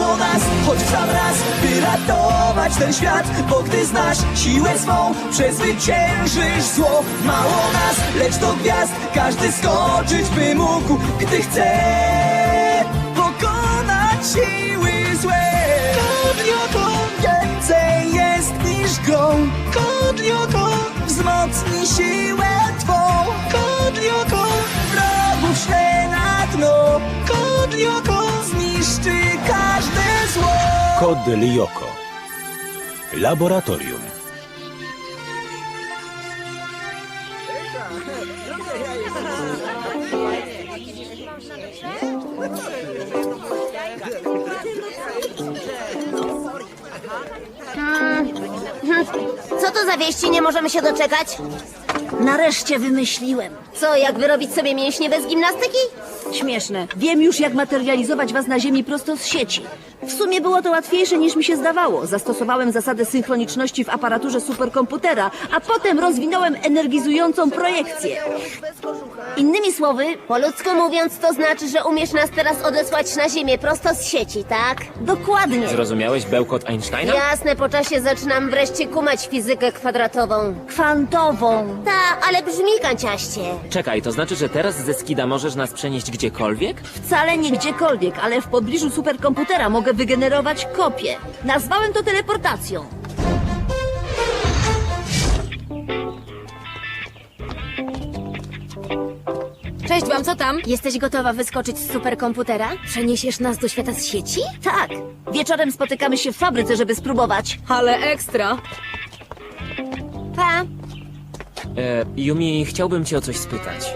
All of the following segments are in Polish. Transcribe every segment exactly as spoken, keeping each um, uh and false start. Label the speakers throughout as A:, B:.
A: o nas, choć w sam raz, by ratować ten świat. Bo gdy znasz siłę swą, przezwyciężysz zło. Mało nas, lecz do gwiazd każdy skoczyć by mógł, gdy chce pokonać siły złe. Kodlioko więcej jest niż grą. Kodlioko wzmocni siłę twą. Kodlioko wrogów szle na dno. Kodlioko zniszczy każde zło.
B: Kod Lyoko. Laboratorium.
C: Co to za wieści? Nie możemy się doczekać?
D: Nareszcie wymyśliłem.
C: Co, jak wyrobić sobie mięśnie bez gimnastyki?
D: Śmieszne. Wiem już, jak materializować was na ziemi prosto z sieci. W sumie było to łatwiejsze niż mi się zdawało. Zastosowałem zasadę synchroniczności w aparaturze superkomputera, a potem rozwinąłem energizującą projekcję. Innymi słowy,
C: Po ludzku mówiąc, to znaczy, że umiesz nas teraz odesłać na ziemię prosto z sieci, tak?
D: dokładnie.
E: Zrozumiałeś bełkot Einsteina?
C: Jasne, po czasie zaczynam wreszcie kumać fizykę kwadratową.
D: Kwantową.
C: Ta, ale brzmi kanciaście.
E: Czekaj, to znaczy, że teraz ze Skida możesz nas przenieść gdziekolwiek?
D: Wcale nie gdziekolwiek, ale w pobliżu superkomputera mogę wygenerować kopię. Nazwałem to teleportacją.
F: Cześć wam, co tam?
C: Jesteś gotowa wyskoczyć z superkomputera? Przeniesiesz nas do świata z sieci?
D: Tak. Wieczorem spotykamy się w fabryce, żeby spróbować.
F: Ale ekstra.
C: Pa.
E: E, Yumi, chciałbym cię o coś spytać.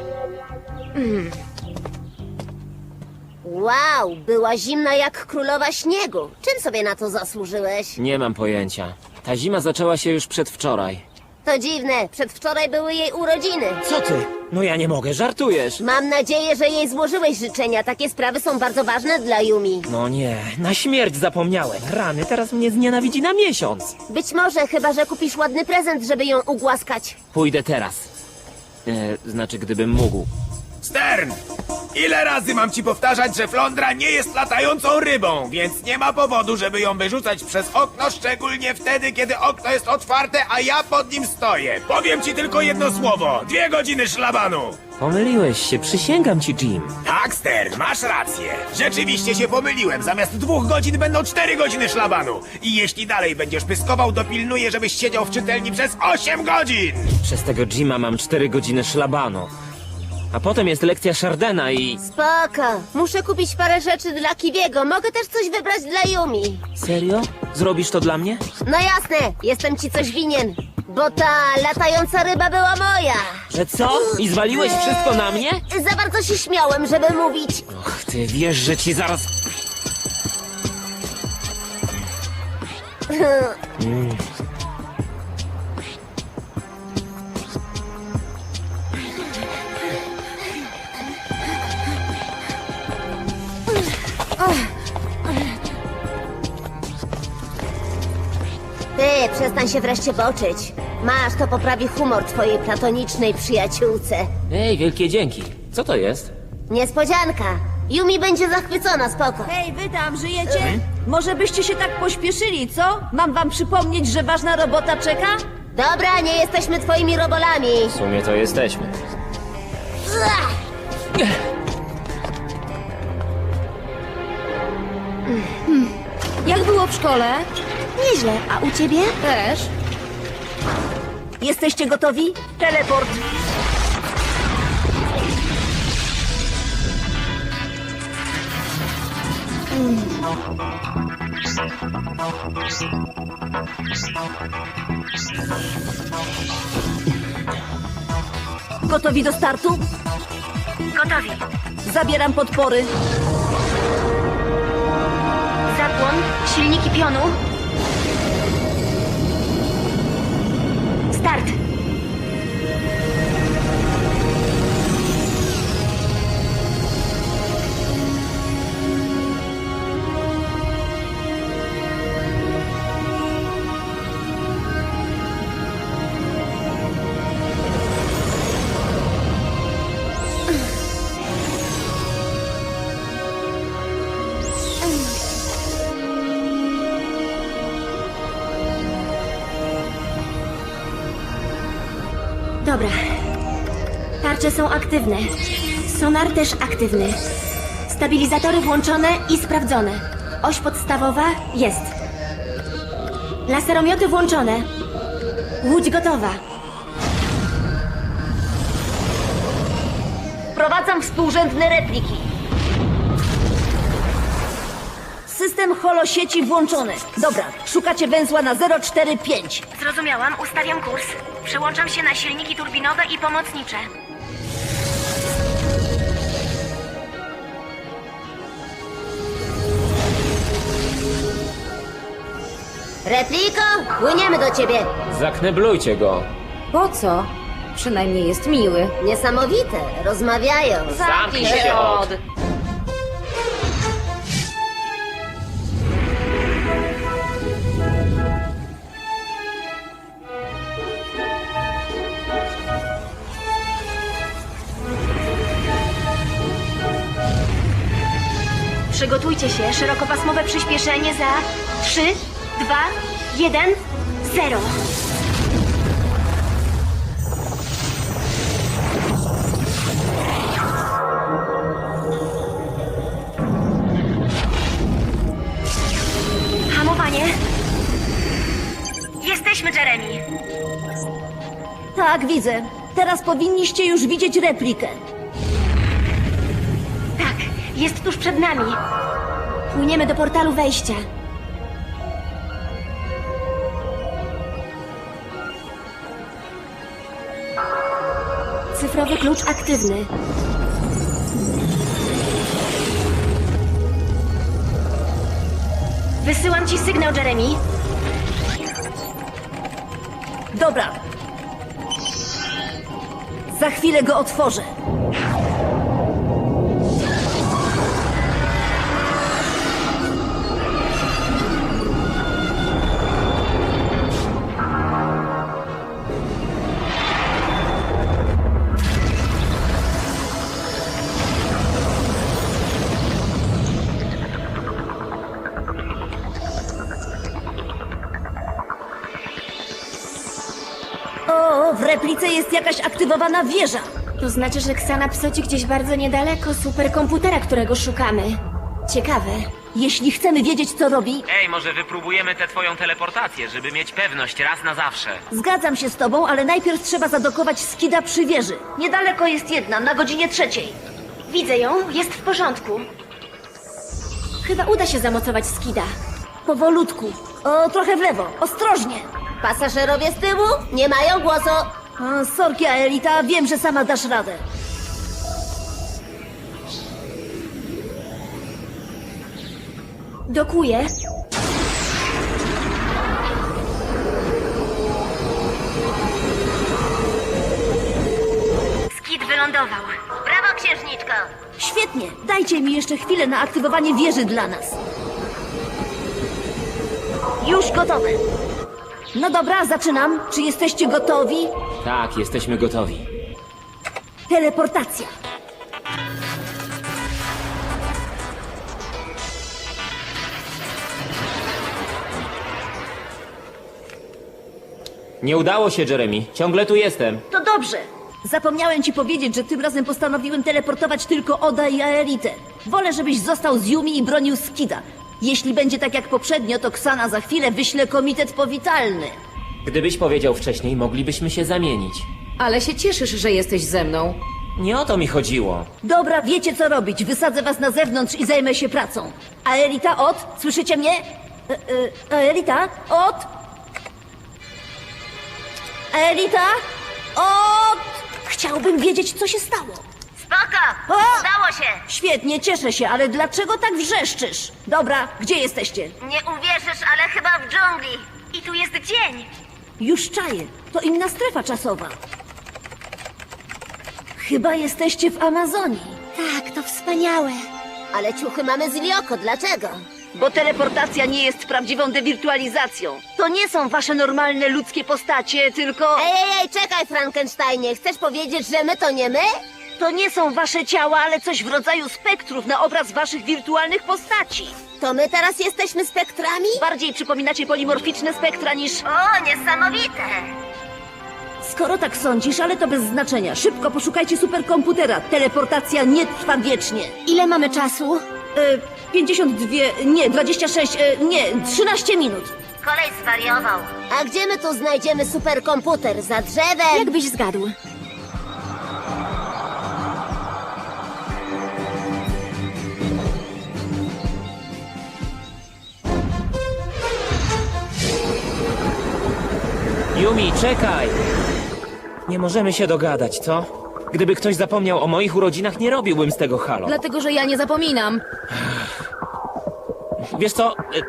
C: Wow, była zimna jak królowa śniegu. Czym sobie na to zasłużyłeś?
E: Nie mam pojęcia. Ta zima zaczęła się już przedwczoraj.
C: To dziwne, przedwczoraj były jej urodziny.
E: Co ty? No ja nie mogę, żartujesz.
C: Mam nadzieję, że jej złożyłeś życzenia. Takie sprawy są bardzo ważne dla Yumi.
E: No nie, na śmierć zapomniałem. Rany, teraz mnie znienawidzi na miesiąc.
C: Być może, chyba że kupisz ładny prezent, żeby ją ugłaskać.
E: Pójdę teraz. E, znaczy, gdybym mógł.
G: Stern! Ile razy mam ci powtarzać, że flądra nie jest latającą rybą, więc nie ma powodu, żeby ją wyrzucać przez okno, szczególnie wtedy, kiedy okno jest otwarte, a ja pod nim stoję. Powiem ci tylko jedno słowo. Dwie godziny szlabanu.
E: Pomyliłeś się, przysięgam ci, Jim.
G: Tak, Stern, masz rację. Rzeczywiście się pomyliłem. Zamiast dwóch godzin będą cztery godziny szlabanu. I jeśli dalej będziesz pyskował, dopilnuję, żebyś siedział w czytelni przez osiem godzin.
E: Przez tego Jima mam cztery godziny szlabanu. A potem jest lekcja Chardena i...
C: Spoko. Muszę kupić parę rzeczy dla Kiwiego. Mogę też coś wybrać dla Yumi.
E: Serio? Zrobisz to dla mnie?
C: No jasne, jestem ci coś winien. Bo ta latająca ryba była moja.
E: Że co? I zwaliłeś wszystko na mnie?
C: Za bardzo się śmiałem, żeby mówić.
E: Och, ty wiesz, że ci zaraz...
C: Ty, przestań się wreszcie boczyć. Masz, to poprawi humor twojej platonicznej przyjaciółce.
E: Ej, wielkie dzięki. Co to jest?
C: Niespodzianka. Yumi będzie zachwycona, spoko.
D: Hej, wy tam, żyjecie? Może byście się tak pośpieszyli, co? Mam wam przypomnieć, że ważna robota czeka?
C: Dobra, nie jesteśmy twoimi robolami.
E: W sumie to jesteśmy.
C: Ach,
F: Jak było w szkole?
C: nieźle, a u ciebie?
F: Też.
D: Jesteście gotowi? Teleport. Gotowi do startu? Gotowi. Zabieram podpory.
C: Zapłon, silniki pionu. Start.
B: Dobra. Tarcze są aktywne. Sonar też aktywny. Stabilizatory włączone i sprawdzone. Oś podstawowa jest. Laseromioty włączone. Łódź gotowa.
D: Wprowadzam współrzędne repliki. System holosieci włączony. Dobra, szukacie węzła na zero cztery pięć.
B: Zrozumiałam, ustawiam kurs. Przełączam się na silniki turbinowe i pomocnicze.
C: Repliko, płyniemy do ciebie.
E: Zakneblujcie go.
F: Po co? Przynajmniej jest miły.
C: Niesamowite, rozmawiają.
E: Zamknij się od...
B: Przygotujcie się, szerokopasmowe przyspieszenie za trzy, dwa, jeden, zero. Hamowanie. Jesteśmy, Jeremy.
D: Tak, widzę. Teraz powinniście już widzieć replikę.
B: Tak, jest tuż przed nami. Płyniemy do portalu wejścia. Cyfrowy klucz aktywny. Wysyłam ci sygnał, Jeremy.
D: Dobra. Za chwilę go otworzę. O, w replice jest jakaś aktywowana wieża.
B: To znaczy, że Ksana psoci gdzieś bardzo niedaleko superkomputera, którego szukamy. Ciekawe.
D: Jeśli chcemy wiedzieć, co robi,
E: Ej, może wypróbujemy tę twoją teleportację, żeby mieć pewność raz na zawsze.
D: zgadzam się z tobą, ale najpierw trzeba zadokować skida przy wieży. Niedaleko jest jedna, na godzinie trzeciej.
B: Widzę ją, jest w porządku. Chyba uda się zamocować skida.
D: Powolutku. O, trochę w lewo. Ostrożnie.
C: Pasażerowie z tyłu nie mają głosu.
D: O, sorki, Aelita, wiem, że sama dasz radę.
B: Dokuję. Skid wylądował.
C: Brawo, księżniczko.
D: Świetnie. Dajcie mi jeszcze chwilę na aktywowanie wieży dla nas. Już gotowe. No dobra, zaczynam. Czy jesteście gotowi?
E: Tak, jesteśmy gotowi.
D: Teleportacja.
E: Nie udało się, Jeremy. Ciągle tu jestem.
D: To dobrze. Zapomniałem ci powiedzieć, że tym razem postanowiłem teleportować tylko Oda i Aelitę. Wolę, żebyś został z Yumi i bronił Skida. Jeśli będzie tak jak poprzednio, to Ksana za chwilę wyśle komitet powitalny.
E: Gdybyś powiedział wcześniej, moglibyśmy się zamienić.
F: Ale się cieszysz, że jesteś ze mną.
E: Nie o to mi chodziło.
D: Dobra, wiecie co robić. Wysadzę was na zewnątrz i zajmę się pracą. Aelita, Od, słyszycie mnie? E, e, Aelita, Od? Aelita, Od? Chciałbym wiedzieć, co się stało.
C: Spoko,
D: O!
C: udało się.
D: Świetnie, cieszę się, ale dlaczego tak wrzeszczysz? Dobra, gdzie jesteście?
C: Nie uwierzysz, ale chyba w dżungli.
B: I tu jest dzień.
D: Już czaję. To inna strefa czasowa. Chyba jesteście w Amazonii.
B: Tak, to wspaniałe.
C: Ale ciuchy mamy z Ilioko, dlaczego?
D: Bo teleportacja nie jest prawdziwą dewirtualizacją. To nie są wasze normalne ludzkie postacie, tylko...
C: Ej, ej, ej, czekaj, Frankensteinie. Chcesz powiedzieć, że my to nie my?
D: To nie są wasze ciała, ale coś w rodzaju spektrów na obraz waszych wirtualnych postaci.
C: To my teraz jesteśmy spektrami?
D: Bardziej przypominacie polimorficzne spektra niż...
C: O, niesamowite.
D: Skoro tak sądzisz, ale to bez znaczenia. Szybko poszukajcie superkomputera. Teleportacja nie trwa wiecznie.
B: Ile mamy czasu?
D: E, pięćdziesiąt dwa, nie, dwadzieścia sześć, e, nie, trzynaście minut.
C: Kolej zwariował. A gdzie my tu znajdziemy superkomputer? Za drzewem?
B: Jakbyś zgadł.
E: Yumi, czekaj! Nie możemy się dogadać, co? Gdyby ktoś zapomniał o moich urodzinach, nie robiłbym z tego halo.
F: Dlatego, że ja nie zapominam.
E: Wiesz co? Y-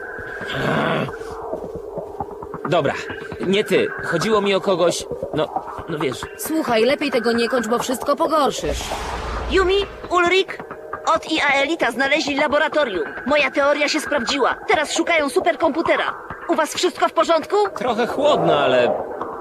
E: Dobra, nie ty. Chodziło mi o kogoś... No, no wiesz...
F: Słuchaj, lepiej tego nie kończ, bo wszystko pogorszysz.
D: Yumi, Ulrik, Ot i Aelita znaleźli laboratorium. Moja teoria się sprawdziła. Teraz szukają superkomputera. U was wszystko w porządku?
E: Trochę chłodno, ale...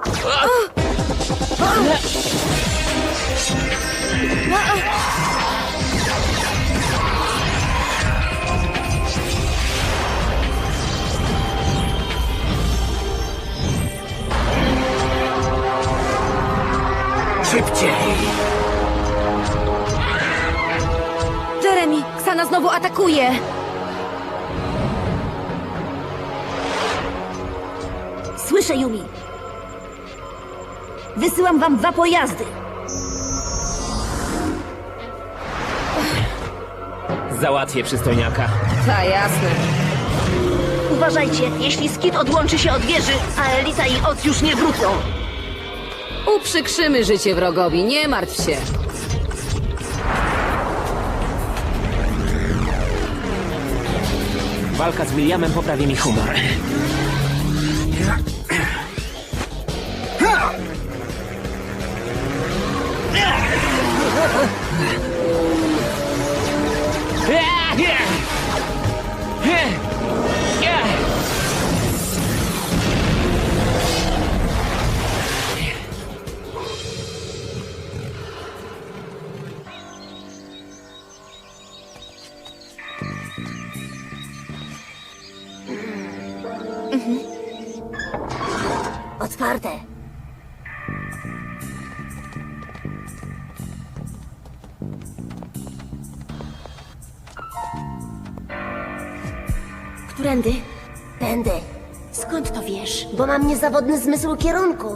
G: Szybciej!
F: Jeremy, Ksana znowu atakuje.
D: Słyszę, Yumi. Wysyłam wam dwa pojazdy.
E: Załatwię przystojniaka.
F: Ta, jasne.
D: Uważajcie, jeśli Skid odłączy się od wieży, Aelita i Ot już nie wrócą.
F: Uprzykrzymy życie wrogowi, nie martw się.
E: Walka z Williamem poprawi mi humor.
C: Otwarte.
B: Którędy?
C: Tędy.
B: Skąd to wiesz?
C: Bo mam niezawodny zmysł kierunku.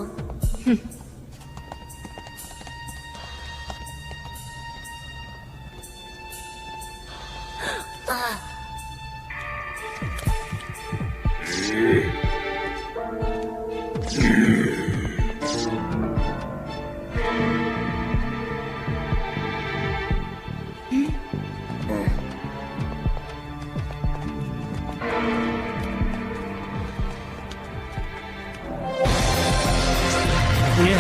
E: Nie.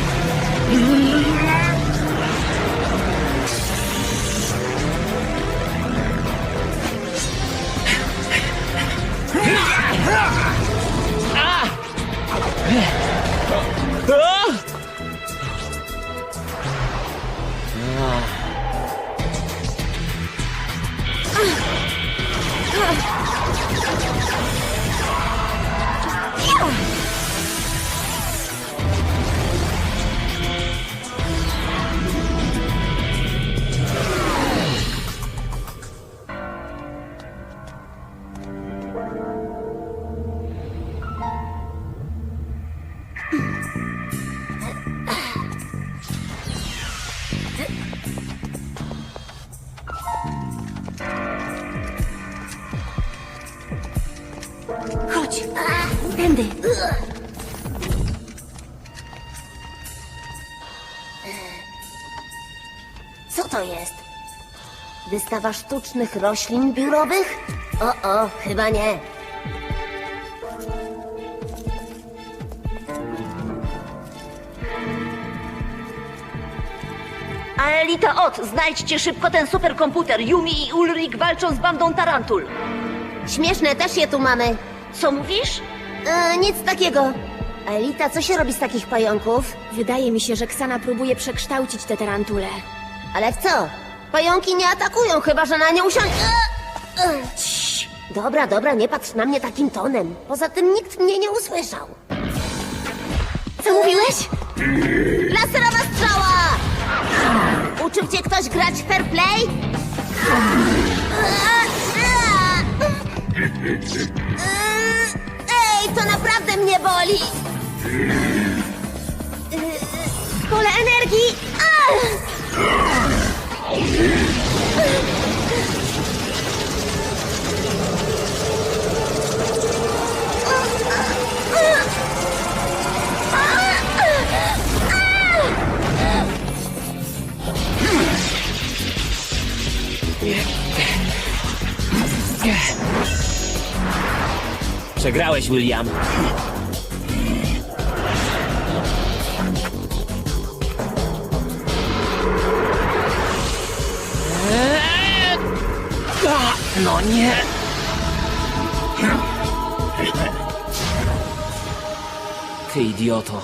B: Chodź. Tędy.
C: Co to jest? Wystawa sztucznych roślin biurowych? O, o, chyba nie.
D: Aelita, Ot, znajdźcie szybko ten superkomputer. Yumi i Ulrik walczą z bandą tarantul.
C: Śmieszne, też je tu mamy.
D: Co mówisz?
C: E, nic takiego. Elita, co się robi z takich pająków?
B: Wydaje mi się, że Ksana próbuje przekształcić te tarantule.
C: Ale w co? Pająki nie atakują, chyba że na nie usiądzie. E, e, cii. Dobra, dobra, nie patrz na mnie takim tonem. Poza tym nikt mnie nie usłyszał.
B: Co mówiłeś?
C: Laserowa strzała! Uczył cię ktoś grać w fair play? Ej, to naprawdę mnie boli!
B: Pole energii!
E: Przegrałeś, William. Eee! A, no nie. Ty idioto.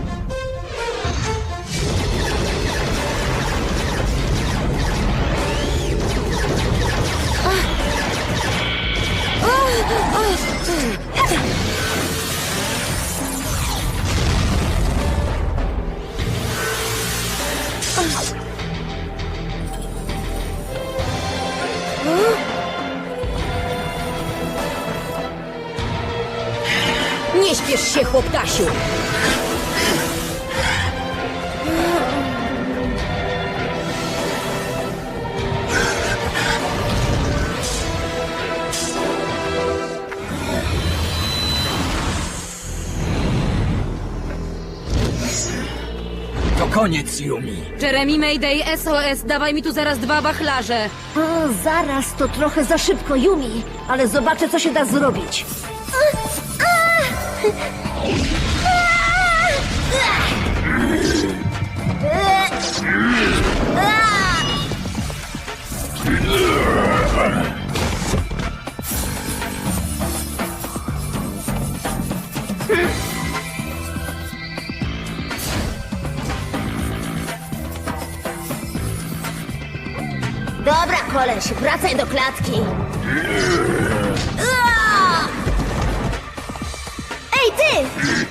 F: Nie śpiesz się, chłoptasiu!
A: To koniec, Yumi.
F: Jeremy, Mayday, S O S, dawaj mi tu zaraz dwa wachlarze.
D: O, zaraz, to trochę za szybko, Yumi. Ale zobaczę, co się da zrobić.
C: Dobra, koleś, wracaj do klatki.
B: Ej, ty!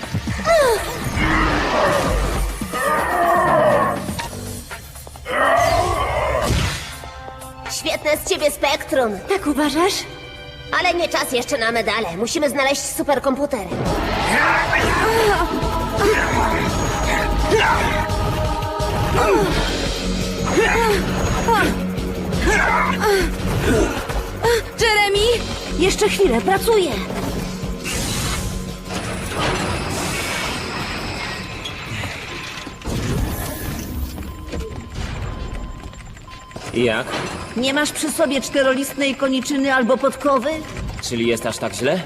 C: Świetne z ciebie spektrum.
B: Tak uważasz?
C: Ale nie czas jeszcze na medale. Musimy znaleźć superkomputer.
F: Jeremy!
D: Jeszcze chwilę, pracuję.
E: I jak?
D: Nie masz przy sobie czterolistnej koniczyny albo podkowy?
E: Czyli jest aż tak źle?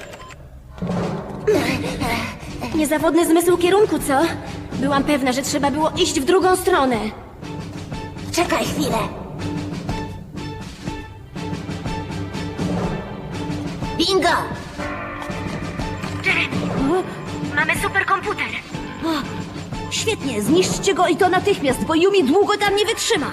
B: Niezawodny zmysł kierunku, co? Byłam pewna, że trzeba było iść w drugą stronę.
C: Czekaj chwilę. Bingo!
B: Mamy superkomputer.
D: Świetnie, zniszczcie go i to natychmiast, bo Yumi długo tam nie wytrzyma.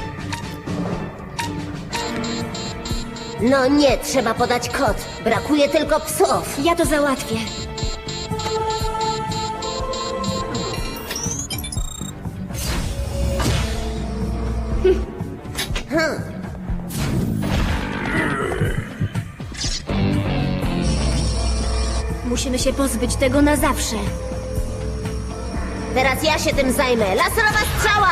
C: No nie, trzeba podać kod. Brakuje tylko psów.
B: Ja to załatwię. Musimy się pozbyć tego na zawsze.
C: Teraz ja się tym zajmę. Laserowa strzała!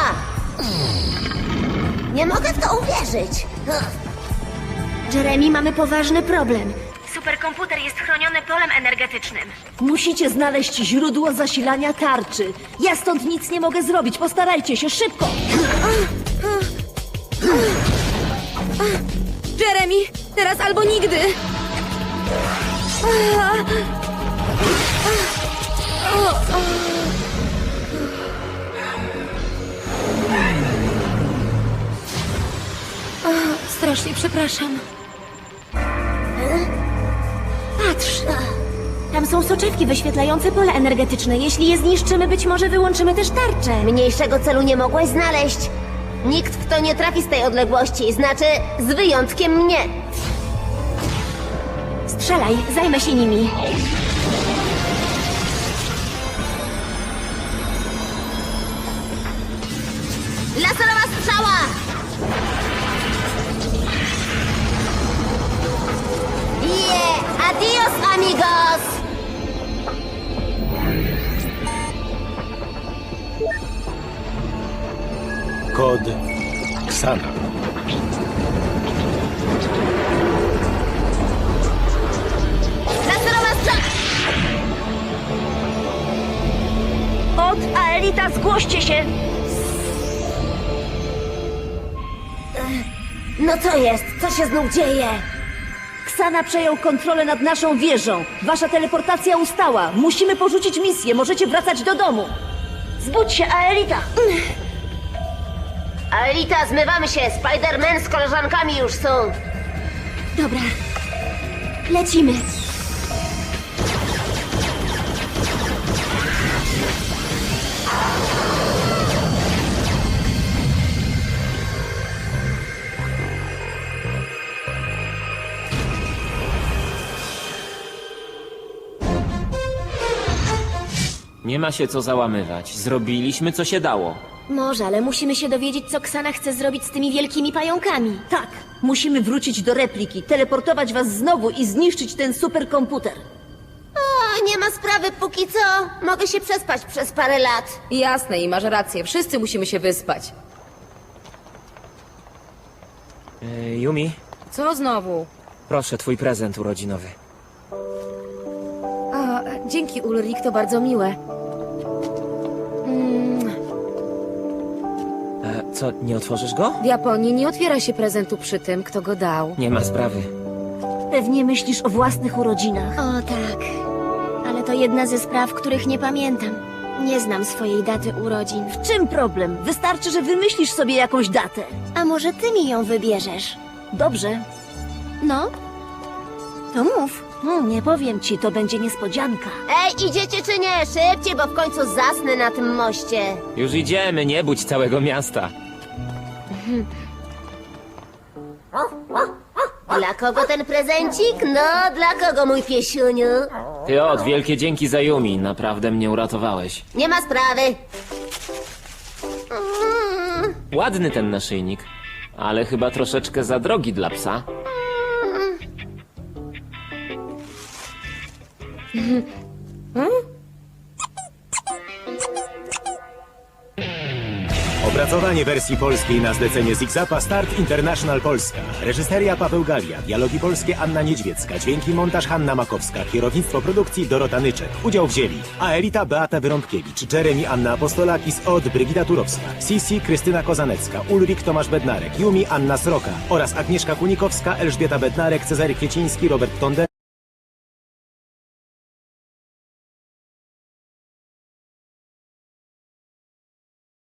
C: Nie mogę w to uwierzyć.
B: Jeremy, mamy poważny problem. Superkomputer jest chroniony polem energetycznym.
D: Musicie znaleźć źródło zasilania tarczy. Ja stąd nic nie mogę zrobić, postarajcie się, szybko!
F: Jeremy, teraz albo nigdy!
B: Strasznie przepraszam. Patrz. Tam są soczewki wyświetlające pole energetyczne. Jeśli je zniszczymy, być może wyłączymy też tarczę.
C: Mniejszego celu nie mogłaś znaleźć. Nikt w to nie trafi z tej odległości, znaczy z wyjątkiem mnie.
B: Strzelaj, zajmę się nimi.
C: Yeah! Adios, amigos!
H: Kod Ksana.
C: Laserowa strzała!
D: Od Aelita, zgłoście się!
C: No co jest? Co się znów dzieje?
D: Ksana przejął kontrolę nad naszą wieżą. Wasza teleportacja ustała. Musimy porzucić misję. Możecie wracać do domu. Zbudź się, Aelita!
C: Aelita, zmywamy się! Spider-Man z koleżankami już są!
B: Dobra. Lecimy.
E: Nie ma się co załamywać. Zrobiliśmy, co się dało.
B: Może, ale musimy się dowiedzieć, co Ksana chce zrobić z tymi wielkimi pająkami.
D: Tak, musimy wrócić do repliki, teleportować was znowu i zniszczyć ten superkomputer.
C: O, nie ma sprawy póki co. Mogę się przespać przez parę lat.
F: Jasne i masz rację, wszyscy musimy się wyspać.
E: E, Yumi,
F: Co znowu?
E: proszę, twój prezent urodzinowy.
F: A, dzięki Ulrik, to bardzo miłe.
E: E, co, nie otworzysz go?
F: W Japonii nie otwiera się prezentu przy tym, kto go dał.
E: Nie ma sprawy.
D: Pewnie myślisz o własnych urodzinach.
B: O tak. Ale to jedna ze spraw, których nie pamiętam. Nie znam swojej daty urodzin.
D: W czym problem? Wystarczy, że wymyślisz sobie jakąś datę.
B: A może ty mi ją wybierzesz?
D: Dobrze.
B: No? To mów.
D: Hmm, nie powiem ci, to będzie niespodzianka.
C: Ej, idziecie czy nie? Szybciej, bo w końcu zasnę na tym moście.
E: Już idziemy, nie budź całego miasta.
C: Dla kogo ten prezencik? No, dla kogo, mój piesiuniu?
E: Ty od, wielkie dzięki za Yumi. Naprawdę mnie uratowałeś.
C: Nie ma sprawy.
E: Ładny ten naszyjnik, ale chyba troszeczkę za drogi dla psa.
H: Opracowanie wersji polskiej na zlecenie Zigzapa Start International Polska. Reżyseria Paweł Galia, dialogi polskie Anna Niedźwiecka, dźwięki montaż Hanna Makowska, kierownictwo produkcji Dorota Nyczek. Udział wzięli Aelita Beata Wyrąbkiewicz, Jeremy Anna Apostolakis, Od Brygida Turowska, Sisi Krystyna Kozanecka, Ulrik Tomasz Bednarek, Yumi Anna Sroka oraz Agnieszka Kunikowska, Elżbieta Bednarek, Cezary Kwieciński, Robert Tonde.